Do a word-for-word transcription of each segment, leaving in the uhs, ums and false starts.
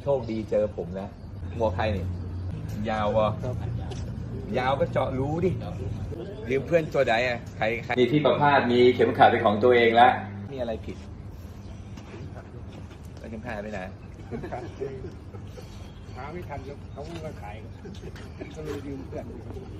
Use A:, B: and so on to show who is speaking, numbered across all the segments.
A: โชคดีเจอผมนะหมวกใครนี่ยาววะยาวก็เจาะรู้ดิยืมเพื่อนตัวใดอ่ะใครใครมีที่ประพาสมีเข็มขัดเป็นของตัวเองแล้วมีอะไรผิดแล้วเข็มขัดไปไหน
B: หาไม่ทันแล้วเขาไม่ขายก็เลยยืมเพื่อน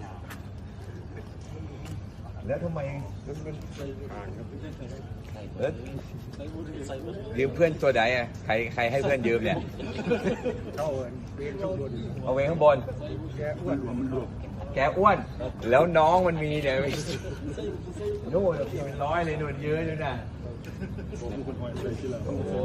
A: แล้วทำไม
B: มันมันห่างครับ
A: เออยืมเพื่อนตัวใดอ่ะใครใครให้เพื่อนยืมเนี่ย
B: เขาเวียนข้างบน
A: เอาเวข้างบน
B: แกอ้วนมันลูก
A: แกอ้วนแล้วน้องมันมีเนี่ยนู่นพี่มันน้อยเลยนู่นเยอะเลยนะโอ้โห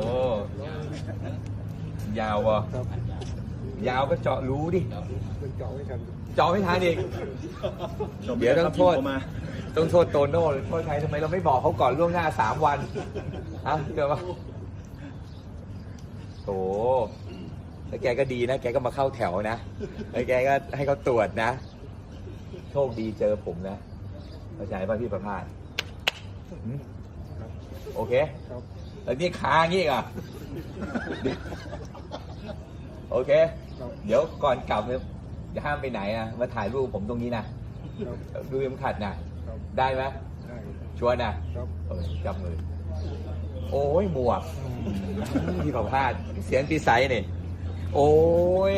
A: ยาววะยาวก็เจาะรู้ดิ
B: เจาะไม่ทัน
A: เจาะไม่ทันอีกเดี๋ยวต้องโทษต้องโทษโตโน่หรือโทษใครทำไมเราไม่บอกเขาก่อนล่วงหน้าสามวันฮะเกิดว่าโถแล้วแกก็ดีนะแกก็มาเข้าแถวนะแล้วแกก็ให้เขาตรวจนะโชคดีเจอผมนะเข้าใจป่ะพี่ประภาสโอเคแล้วนี่ค้างงี้อ่ะโอเคเดี๋ยวก่อนกลับเนี่ยจะห้ามไปไหนอ่ะมาถ่ายรูปผมตรงนี้นะดูเข็มขัดนะได้ไหมชวนนะเออจับมือโอ้ยหมวกพี่ประภาสเสียงปีไซเนี่ยโอ้ย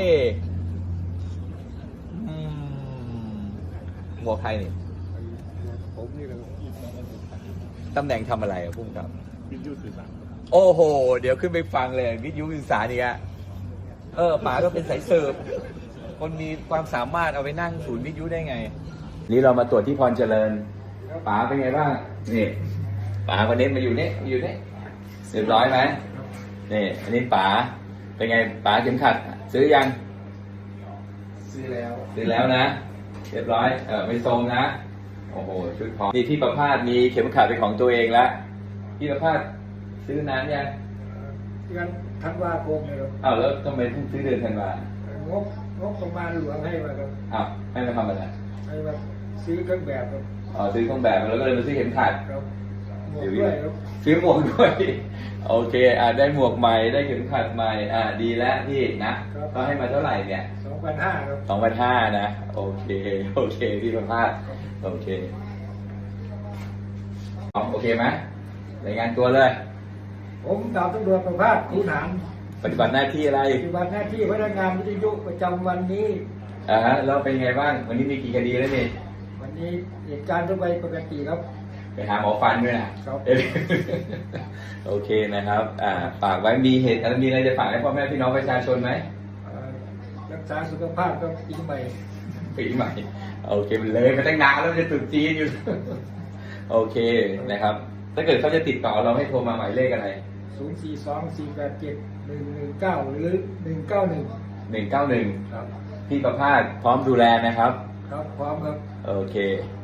A: หมวกใครนี่
B: ผมนี่แหละ
A: ตำแหน่งทำอะไรอะพุ่งกับวิทยุสื่อสารโอ้โหเดี๋ยวขึ้นไปฟังเลยวิทยุสื่อสารนี่อะเออป๋าก็เป็นสายสืบคนมีความสามารถเอาไปนั่งศูนย์วิทยุได้ไงนี่เรามาตรวจที่พรเจริญป๋าเป็นไงบ้างนี่ป๋าคนนี้มาอยู่นี่มาอยู่นี่เรียบร้อยไหมนี่อันนี้ป๋าเป็นไงป๋าเข็มขัดซื้อยัง
B: ซื้อแล้ว
A: ซื้อแล้วนะเรียบร้อยเออไม่ทรงนะโอ้โหชุดพร้อมนี่พี่ประภาสมีเข็มขัดเป็นของตัวเองแล้วพี่ประภาสซื้อนานยัง
B: งั้นธันวาคมเลยครับ
A: อ้าวแล้วทำไมเพิ่งซื้อเดือนธันวาง
B: บงบประมาณหลวงให้มาครับ
A: อ้าวให้มาทำอะไร
B: ให้มาซื้อเครื่องแบบครับ
A: อ๋อซื้อเครื่องแบบแล้วก็เลยมาซื้อเข็มขัด
B: ครับหมวกด้วยครับ
A: ซื้อหมวกด้วยโอเคอ่าได้หมวกใหม่ได้เข็มขัดใหม่อ่าดีแล้วพี่นะก็ให้มาเท่าไหร่เนี่ย
B: สองพันห้าครับ
A: สองพันห้านะโอเคโอเคพี่ประภาสโอเคโอเคไหมรายงานตัวเลย
B: ผมดาบตำรวจประภาสคูหนาน
A: ปฏิบัติหน้าที่อะไร
B: ปฏิบัติหน้าที่พนักงานวิทยุประจำวันนี้
A: อ่าฮะแล้วเป็นไงบ้างวันนี้มีกี่คดีแล้วนี่
B: วันนี้เหตุการณ์ทั่วไปปกติครับ
A: ไปหาหมอฟันด้วยนะครับโอเคนะครับอ่าฝากไว้มีเหตุอะไรมีอะไรจะฝากให้พ่อแม่พี่น้องประชาชนไหม
B: รักษาสุขภาพก็ปีใหม่
A: ปีใหม่โอเคมันเลยมาตั้งนานแล้วจะตรุษจีนอยู่โอเคนะครับถ้าเกิดเขาจะติดต่อเราให้โทรมาหมายเลขอะไร
B: ศูนย์ สี่ สอง สี่ แปด เจ็ด หนึ่ง หนึ่ง เก้าหรือหนึ่งเก้าหนึ่ง
A: หนึ่งเก้าหนึ่งครับพี่ประภาสพร้อมดูแลนะครับ
B: ครับพร้อมครับ
A: โอเค